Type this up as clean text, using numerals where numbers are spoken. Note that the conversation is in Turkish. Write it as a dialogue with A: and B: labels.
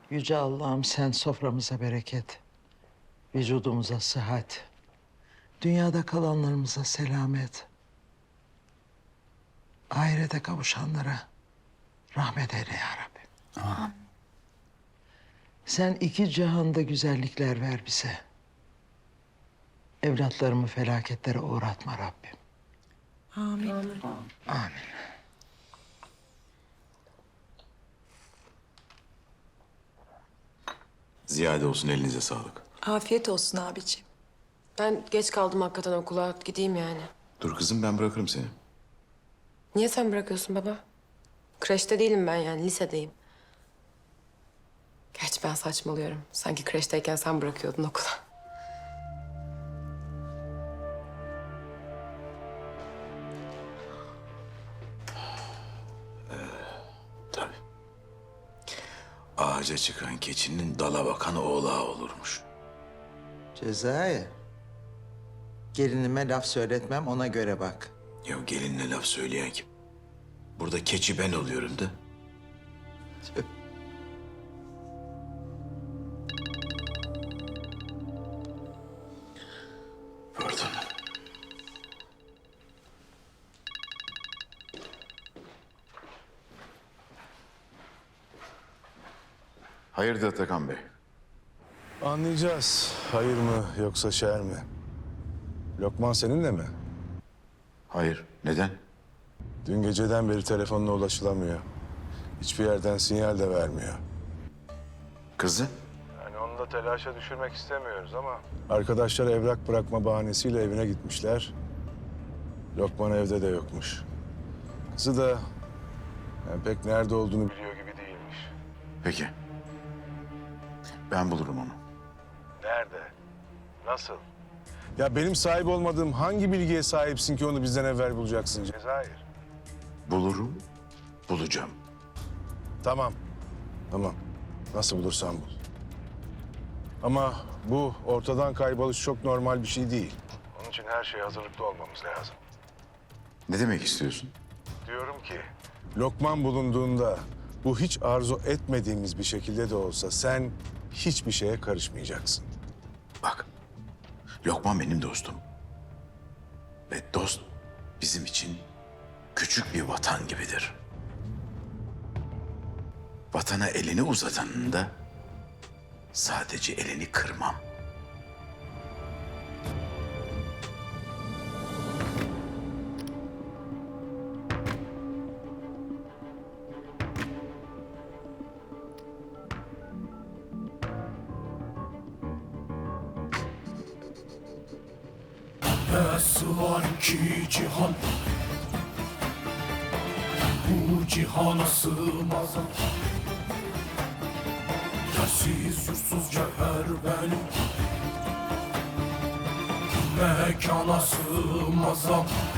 A: Yüce Allah'ım sen soframıza bereket, vücudumuza sıhhat, dünyada kalanlarımıza selamet, ahirete kavuşanlara rahmet eyle ya Rabbi.
B: Amin.
A: Sen iki cihanda güzellikler ver bize. Evlatlarımı felaketlere uğratma Rabbim.
B: Amin.
A: Amin.
C: Ziyade olsun, elinize sağlık.
B: Afiyet olsun abiciğim.
D: Ben geç kaldım hakikaten okula. Gideyim yani.
C: Dur kızım, ben bırakırım seni.
D: Niye sen bırakıyorsun baba? Kreşte değilim ben yani, lisedeyim. Gerçi ben saçmalıyorum. Sanki kreşteyken sen bırakıyordun okula.
C: Tabii. Ağaca çıkan keçinin dala bakan oğlağı olurmuş.
A: Cezayir. Gelinime laf söyletmem, ona göre bak.
C: Ya gelinle laf söyleyen kim? Burada keçi ben oluyorum da.
A: Tüh.
C: Pardon. Hayırdır Atakan Bey?
E: Anlayacağız. Hayır mı yoksa şer mi? Lokman seninle mi?
C: Hayır. Neden?
E: Dün geceden beri telefonuna ulaşılamıyor. Hiçbir yerden sinyal de vermiyor.
C: Kızı?
E: Yani onu da telaşa düşürmek istemiyoruz ama... Arkadaşlar evrak bırakma bahanesiyle evine gitmişler. Lokman evde de yokmuş. Kızı da yani pek nerede olduğunu biliyor gibi değilmiş.
C: Peki. Ben bulurum onu.
E: Nerede? Nasıl? Ya benim sahip olmadığım hangi bilgiye sahipsin ki onu bizden evvel bulacaksın Cezayir?
C: Bulurum, bulacağım.
E: Tamam. Tamam. Nasıl bulursan bul. Ama bu ortadan kayboluş çok normal bir şey değil. Onun için her şeye hazırlıklı olmamız lazım.
C: Ne demek istiyorsun?
E: Diyorum ki... Lokman bulunduğunda bu hiç arzu etmediğimiz bir şekilde de olsa sen hiçbir şeye karışmayacaksın.
C: Bak, Lokman benim dostum. Ve dost bizim için küçük bir vatan gibidir. Vatana elini uzatanın da sadece elini kırmam.
F: Nasıl var ki cihan, bu cihana sığmaz. Yersiz yursuz cevher benim, mekana sığmaz.